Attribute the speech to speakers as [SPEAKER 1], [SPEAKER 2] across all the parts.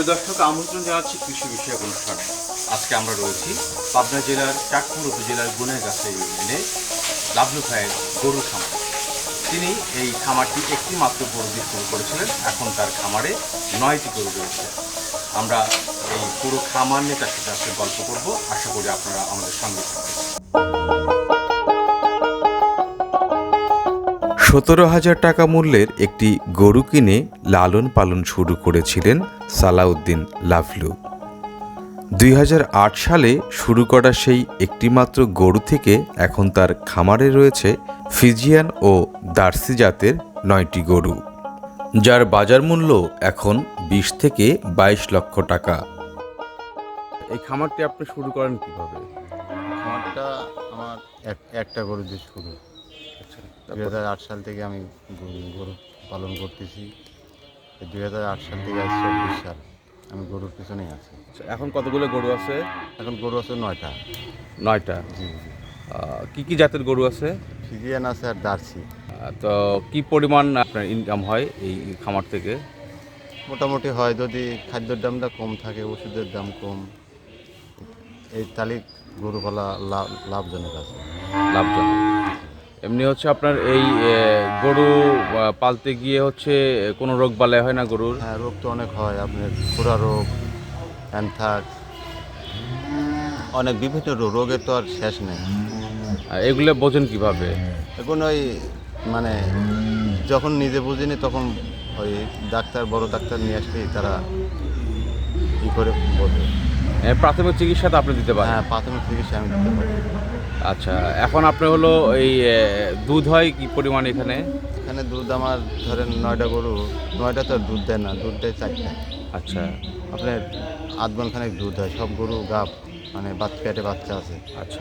[SPEAKER 1] দর্শক, আমন্ত্রণ জানাচ্ছি কৃষি বিষয়ক অনুষ্ঠানে। আজকে আমরা রয়েছি পাবনা জেলার চাটমোহর উপজেলার গুনেরগাছা ইউনিয়নে লাভলু ভাইয়ের গরুর খামার। তিনি এই খামারটি একটি মাত্র গরু দিয়ে শুরু করেছিলেন। এখন তার খামারে 9টি গরু রয়েছে। আমরা এই পুরো খামার নিয়ে তার সাথে আজকে গল্প করব। আশা করি আপনারা আমাদের সঙ্গে থাকবেন।
[SPEAKER 2] 17,000 টাকা মূল্যের একটি গরু কিনে লালন পালন শুরু করেছিলেন সালাউদ্দিন লাভলু। 2008 সালে শুরু করা সেই একটিমাত্র গরু থেকে এখন তার খামারে রয়েছে ফিজিয়ান ও দার্সি জাতের 9টি গরু, যার বাজার মূল্য এখন 20 থেকে 22 লক্ষ টাকা। এই খামারটি আপনি শুরু করেন কিভাবে?
[SPEAKER 3] খামারটা আমার একটা গরু দিয়ে শুরু। 2008 সাল থেকে আমি গরু পালন করতেছি। 2008 সাল থেকে আজ 24 সাল আমি গরুর পিছনেই আছি।
[SPEAKER 2] এখন কতগুলো গরু আছে?
[SPEAKER 3] এখন গরু আছে 9টা।
[SPEAKER 2] 9টা।
[SPEAKER 3] জি জি।
[SPEAKER 2] কি জাতের গরু আছে?
[SPEAKER 3] ফিজিয়ান আছে আর দার্সি।
[SPEAKER 2] তো কি পরিমাণ আপনার ইনকাম হয় এই খামার থেকে?
[SPEAKER 3] মোটামুটি হয়, যদি খাদ্যের দামটা কম থাকে, ওষুধের দাম কম, এই তালিক গরু পালা লাভজনক আছে।
[SPEAKER 2] লাভজনক। এমনি হচ্ছে আপনার এই গরু পালতে গিয়ে হচ্ছে কোনো রোগ বালাই হয় না গরুর?
[SPEAKER 3] হ্যাঁ, রোগ তো অনেক হয়, আপনার খুরা রোগ, অ্যানথ্রাক্স, অনেক বিভিন্ন রোগের তো আর শেষ নেই।
[SPEAKER 2] এগুলো বোঝেন কিভাবে?
[SPEAKER 3] এখন ওই মানে যখন নিজে বুঝিনি তখন ওই ডাক্তার, বড় ডাক্তার নিয়ে আসলেই তারা ই করে বোঝে।
[SPEAKER 2] প্রাথমিক চিকিৎসা তো আপনি দিতে পারেন?
[SPEAKER 3] হ্যাঁ, প্রাথমিক চিকিৎসা আমি দিতে পারি।
[SPEAKER 2] আচ্ছা, এখন আপনি হলো এই দুধ হয় কি পরিমাণ এখানে?
[SPEAKER 3] এখানে দুধ আমার ধরেন 9টা গরু, 9টা তো আর দুধ দেয় না, দুধ দেয় 4টা।
[SPEAKER 2] আচ্ছা
[SPEAKER 3] আপনার আধ খানেক দুধ হয়, সব গরু গাব, মানে পেটে বাচ্চা আছে।
[SPEAKER 2] আচ্ছা,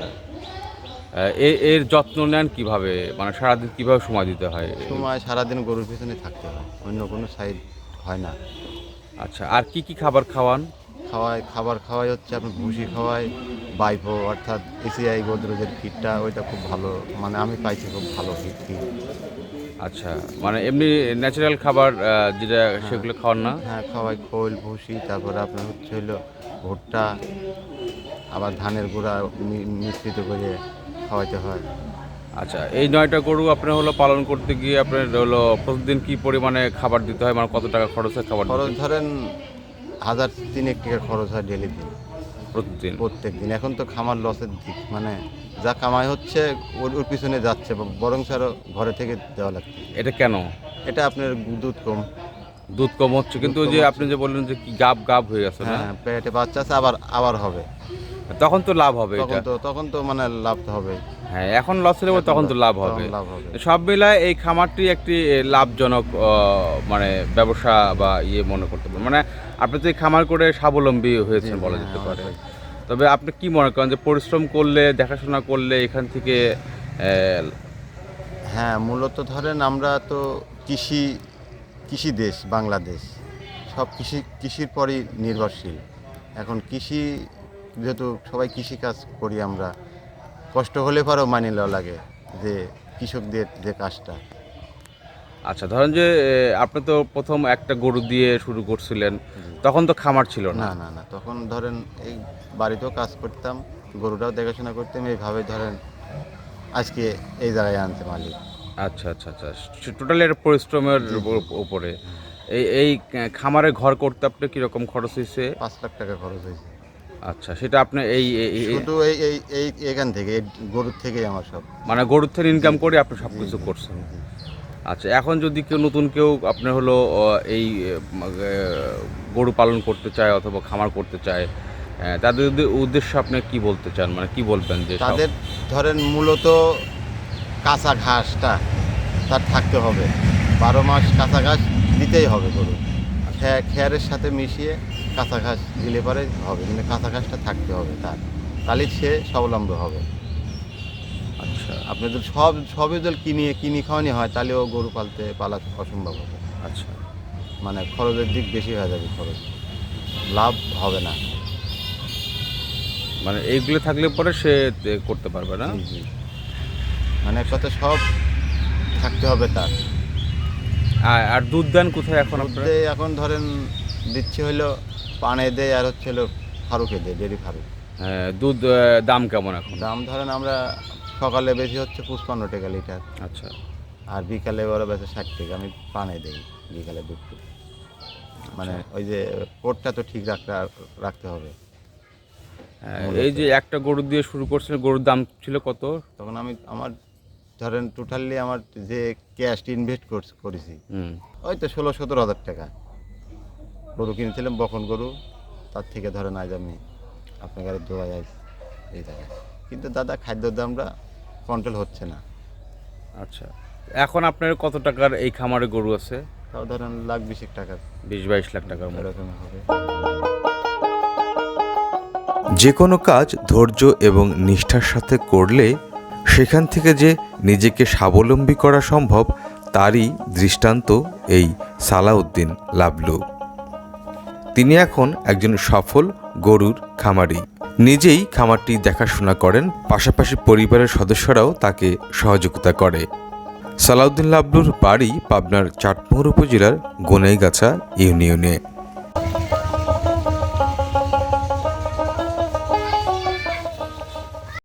[SPEAKER 2] এর যত্ন নেন কিভাবে? মানে সারাদিন কিভাবে সময় দিতে হয়?
[SPEAKER 3] সময় সারাদিন গরুর পিছনে থাকতে হয়, অন্য কোনো সাইড হয় না।
[SPEAKER 2] আচ্ছা, আর কি খাবার খাওয়ান?
[SPEAKER 3] খাবার খাওয়াই হচ্ছে আপনার ভুসি খাওয়াই, বাইপো অর্থাৎ এসিআই গোদরেজের ফিডটা, ওইটা খুব ভালো, মানে আমি পাইছি খুব ভালো ফিড।
[SPEAKER 2] আচ্ছা, মানে এমনি ন্যাচারাল খাবার যেটা সেগুলো খাওয়ান না?
[SPEAKER 3] হ্যাঁ, খাওয়াই খোল, ভুসি, তারপরে আপনার হচ্ছে হলো ভুট্টা, আবার ধানের গুঁড়া মিশ্রিত করে খাওয়াইতে হয়।
[SPEAKER 2] আচ্ছা, এই 9টা গরু আপনার হলো পালন করতে গিয়ে আপনার হলো প্রতিদিন কি পরিমাণে খাবার দিতে হয়? মানে কত টাকা খরচ হয় খাবার
[SPEAKER 3] খরচ
[SPEAKER 2] দিতে?
[SPEAKER 3] ধরেন 1,000-3,000 টাকা খরচ হয় ডেলি দিন, প্রত্যেক দিন। এখন তো খামার লসের দিক, মানে যা কামাই হচ্ছে ওর পিছনে যাচ্ছে, বরং আরও ঘরে থেকে দেওয়া লাগছে।
[SPEAKER 2] এটা কেন?
[SPEAKER 3] এটা আপনার দুধ কম।
[SPEAKER 2] দুধ কম হচ্ছে, কিন্তু
[SPEAKER 3] দুধ
[SPEAKER 2] ওই
[SPEAKER 3] কম
[SPEAKER 2] যে
[SPEAKER 3] হচ্ছে।
[SPEAKER 2] আপনি যে বললেন যে কি গাব হয়ে গেছে না?
[SPEAKER 3] হ্যাঁ, পেটে বাচ্চা আছে, আবার হবে,
[SPEAKER 2] তখন তো লাভ হবে এটা।
[SPEAKER 3] তখন তো মানে লাভ তো হবে।
[SPEAKER 2] হ্যাঁ, এখন লস হলে তখন তো লাভ হবে। সব মিলায় এই খামারটি একটি লাভজনক মানে ব্যবসা বা মনে করতে পারেন। মানে আপনি তো এই খামার করে স্বাবলম্বী হয়েছেন বলা যেতে পারে। তবে আপনি কি মনে করেন যে পরিশ্রম করলে, দেখাশোনা করলে এখান থেকে
[SPEAKER 3] হ্যাঁ, মূলত ধরেন আমরা তো কৃষি দেশ বাংলাদেশ, সব কৃষির পরই নির্ভরশীল। এখন কৃষি যেহেতু সবাই কৃষিকাজ করি আমরা, কষ্ট হলে পরেও মানিয়ে নেওয়া লাগে যে কৃষকদের যে কাজটা।
[SPEAKER 2] আচ্ছা, ধরেন যে আপনি তো প্রথম একটা গরু দিয়ে শুরু করছিলেন, তখন তো খামার ছিল না?
[SPEAKER 3] না না, তখন ধরেন এই বাড়িতেও কাজ করতাম, গরুটাও দেখাশোনা করতাম, এইভাবে ধরেন আজকে এই জায়গায় আনতে মালিক।
[SPEAKER 2] আচ্ছা আচ্ছা আচ্ছা, টোটালি একটা পরিশ্রমের উপরে। এই খামারে ঘর করতে আপনার কীরকম খরচ হয়েছে?
[SPEAKER 3] 5 লাখ টাকা খরচ হয়েছে।
[SPEAKER 2] আচ্ছা, সেটা আপনি
[SPEAKER 3] শুধু এই এখান থেকে, এই গরুর থেকেই আমার সব,
[SPEAKER 2] মানে গরুর থেকে ইনকাম করে আপনি সব কিছু করছেন। আচ্ছা, এখন যদি কেউ আপনার হলো এই গরু পালন করতে চায় অথবা খামার করতে চায়, তাদের উদ্দেশ্যে আপনি কি বলতে চান? মানে কি বলবেন যে
[SPEAKER 3] তাদের ধরেন মূলত কাঁচা ঘাসটা তার থাকতে হবে, 12 মাস কাঁচা ঘাস দিতেই হবে গরু, খেয়ারের সাথে মিশিয়ে কাঁচা ঘাস দিলে পরে হবে, মানে কাঁচা ঘাসটা থাকতে হবে তাহলে সে স্বাবলম্বী হবে।
[SPEAKER 2] আচ্ছা,
[SPEAKER 3] আপনি যদি সবই যদি কিনি খাওয়ানি হয়, তাহলেও গরু পালা অসম্ভব হবে।
[SPEAKER 2] আচ্ছা,
[SPEAKER 3] মানে খরচের দিক বেশি হয়ে যাবে, লাভ হবে না।
[SPEAKER 2] মানে এইগুলো থাকলে পরে সে করতে পারবে না।
[SPEAKER 3] জি, মানে একসাথে সব থাকতে হবে তার।
[SPEAKER 2] আর দুধ দেন কোথায় এখন আপনারা?
[SPEAKER 3] এখন ধরেন দিচ্ছি হলো পানে দেয় আর হচ্ছে হলো ফারুকে দেয়, ডেরি ফারুক।
[SPEAKER 1] দুধ দাম কেমন এখন?
[SPEAKER 3] দাম ধরেন আমরা সকালে বেশি হচ্ছে 55 টাকা লিটার,
[SPEAKER 1] আচ্ছা,
[SPEAKER 3] আর বিকালে ওরা বেশি 60 টাকা। আমি পানে দেই বিকালে দুধ, মানে ওই যে কোটটা তো ঠিক রাখতে হবে।
[SPEAKER 1] এই যে একটা গরু দিয়ে শুরু করছিলেন, গরুর দাম ছিল কত?
[SPEAKER 3] তখন আমার ধরেন টোটালি আমার যে ক্যাশ ইনভেস্ট করেছি ওই তো 16-17 হাজার টাকা। গরু কিনেছিলাম বকন গরু, তার থেকে ধরেন আজ আমি আপনার গাড়ি দোয়াই আজ এই জায়গায়। কিন্তু দাদা খাদ্যের দামটা কন্ট্রোল হচ্ছে না।
[SPEAKER 1] আচ্ছা, এখন আপনার কত টাকার এই খামারে গরু আছে?
[SPEAKER 3] তাও ধরেন লাখ 20 টাকা,
[SPEAKER 1] 20-22 লাখ টাকার মতো।
[SPEAKER 3] এরকম হবে।
[SPEAKER 2] যে কোনো কাজ ধৈর্য এবং নিষ্ঠার সাথে করলে সেখান থেকে যে নিজেকে স্বাবলম্বী করা সম্ভব তারই দৃষ্টান্ত এই সালাউদ্দিন লাবলু। তিনি এখন একজন সফল গরুর খামারি। নিজেই খামারটি দেখাশোনা করেন, পাশাপাশি পরিবারের সদস্যরাও তাকে সহযোগিতা করে। সালাউদ্দিন লাবলুর বাড়ি পাবনার চাটমোহর উপজেলার গোনাইগাছা ইউনিয়নে।